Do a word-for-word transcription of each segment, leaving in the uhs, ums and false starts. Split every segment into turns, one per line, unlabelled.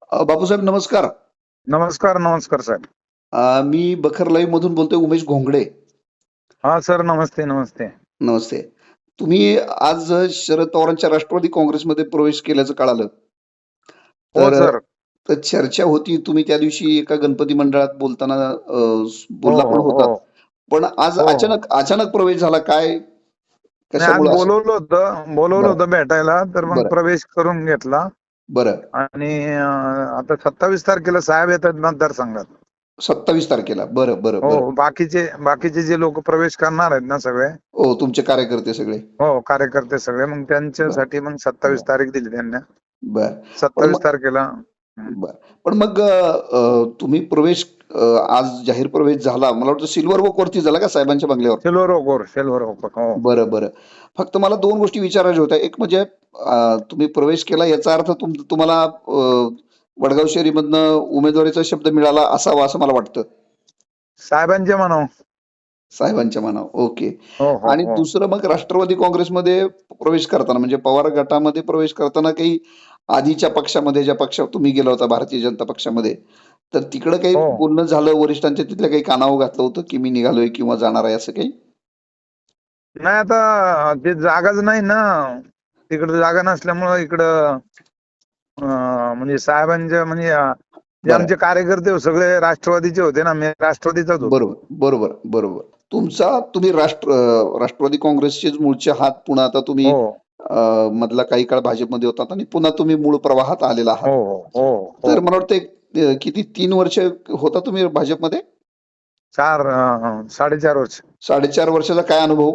अ, बापूसाहेब नमस्कार.
नमस्कार, नमस्कार साहेब.
अ, मी बखर लाईव्ह मधून बोलतोय उमेश घोंगडे.
हा सर, नमस्ते नमस्ते.
नमस्ते. तुम्ही आज शरद पवारांच्या राष्ट्रवादी काँग्रेसमध्ये प्रवेश केल्याचं कळालं.
हो
तर
सर.
तर चर्चा होती, तुम्ही त्या दिवशी एका गणपती मंडळात बोलताना अ,
हो
बोलला पण
हो हो
होतात. पण आज
हो हो.
अचानक अचानक प्रवेश झाला काय?
नाही, आज
कशामुळे असं?
बोलवलं होतं बोलवलं
बरं,
होतं भेटायला, तर मग
बरं,
प्रवेश करून घेतला.
बरं.
आणि अं, आता सत्तावीस तारखेला साहेब येतात मतदारसंघात.
सत्तावीस तारखेला. बरं, बरं,
हो,
बरं.
बाकीचे बाकीचे जे लोक प्रवेश करणार आहेत ना सगळे,
हो, तुमचे कार्यकर्ते सगळे.
हो कार्यकर्ते सगळे, मग
बरं,
त्यांच्यासाठी मग सत्तावीस
बरं,
तारीख दिली त्यांना.
बरं. पण
सत्तावीस
मग
तारखेला. हं.
बरं. पण मग अ, अ, तुम्ही प्रवेश अ, आज जाहीर प्रवेश झाला. मला वाटतं सिल्व्हर वॉक वरती झाला का साहेबांच्या बंगल्यावर?
सिल्वर ओक सिल्वर ओक हो.
बरं, बरं. फक्त मला दोन गोष्टी विचारायच्या होत्या. एक म्हणजे अ, तुम्ही प्रवेश केला याचा अर्थ तुम तुम्हाला अ, वडगाव शहरीमधनं उमेदवारीचा शब्द मिळाला असावा असं मला वाटतं.
साहेबांचे म्हणाव.
साहेबांच्या मनावर. ओके.
हो हो
आणि
हो.
दुसरं मग राष्ट्रवादी काँग्रेसमध्ये प्रवेश करताना म्हणजे पवार गटामध्ये प्रवेश करताना काही आधीच्या पक्षामध्ये ज्या पक्षात तुम्ही गेला होता भारतीय जनता पक्षामध्ये, तर तिकडं काही
हो.
बोलणं झालं वरिष्ठांच्या तिथल्या काही कानावर घातलं होतं, की मी निघालोय किंवा जाणार आहे असं काही?
नाही, आता ते जागाच नाही ना. तिकडे जागा नसल्यामुळं इकडं अं, म्हणजे साहेबांच्या म्हणजे अं, जे
बरं.
आमचे कार्यकर्ते होते, सगळे राष्ट्रवादीचे होते ना, मी राष्ट्रवादीचाच होतो.
बरोबर, बरोबर, बरोबर. तुमचा तुम्ही राष्ट्र अ, राष्ट्रवादी काँग्रेसचेच मूळचे आहात. पुन्हा आता तुम्ही
हो
अ, मधला काही काळ भाजपमध्ये होतात आणि पुन्हा तुम्ही मूळ प्रवाहात आलेला आहात.
हो हो हो.
तर मला वाटतं एक अ, किती तीन वर्ष होता तुम्ही भाजपमध्ये?
चार अं, साडेचार वर्ष.
साडेचार वर्षाचा काय अनुभव?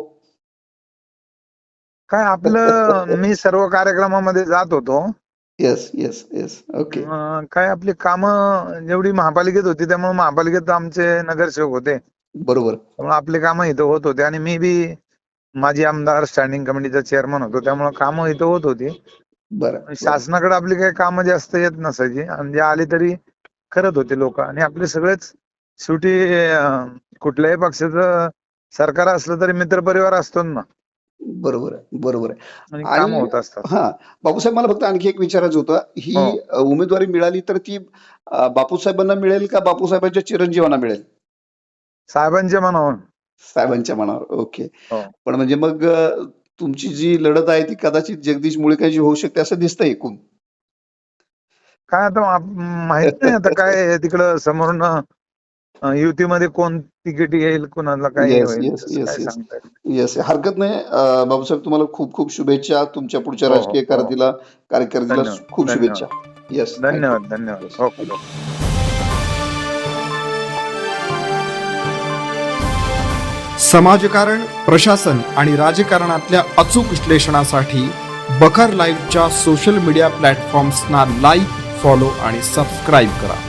काय आपलं, मी सर्व कार्यक्रमामध्ये जात होतो.
Yes, yes, yes. ओके.
अं, काय आपली कामं जेवढी महापालिकेत होती, त्यामुळे महापालिकेत आमचे नगरसेवक होते,
बरोबर.
त्यामुळे आपली कामं इथं होत होते. आणि मी बी माजी आमदार स्टँडिंग कमिटीचा चेअरमन होतो, त्यामुळे कामं इथं होत होती.
बरं, बरं.
शासनाकडे आपली काही कामं जास्त येत नसायची, आणि जे आली तरी करत होते लोक. आणि आपले सगळेच शेवटी अं, कुठल्याही पक्षाचं सरकार असलं तरी मित्रपरिवार असतो ना,
बरोबर आहे, बरोबर आहे.
आणि
आणि
कामं होत असतात.
हां, बापूसाहेब मला फक्त आणखी एक विचारायचं होतं.
हो.
ही अ, उमेदवारी मिळाली तर ती अ, बापूसाहेबांना मिळेल का बापूसाहेबांच्या चिरंजीवांना मिळेल?
साहेबांचे म्हणावं.
साहेबांच्या मनावर. ओके.
हो.
पण म्हणजे मग अ, तुमची जी लढत आहे ती कदाचित जगदीश मुळीकांची होऊ शकते असं दिसतंय एकूण.
काय आता आप- माहित नाही आता काय तिकडं समोरून अं, युतीमध्ये कोण तिकीट येईल, कुणाला काय
येस,
होईल,
येस,
तसं
येस,
काय
येस.
सांगता येत नाही.
येस. हरकत नाही. अ, बाबासाहेब तुम्हाला खूप खूप शुभेच्छा. तुमच्या पुढच्या
हो हो
राजकीय
हो.
कारकिर्दीला कारकिर्दीला
धन्यवाद
खूप शुभेच्छा.
धन्यवाद
येस. Thank you.
धन्यवाद धन्यवाद.
येस.
Okay okay.
समाजकारण, प्रशासन आणि राजकारणातल्या अचूक विश्लेषणासाठी बखर लाईव्हच्या सोशल मीडिया प्लॅटफॉर्म्सना लाईक, फॉलो आणि सबस्क्राईब करा.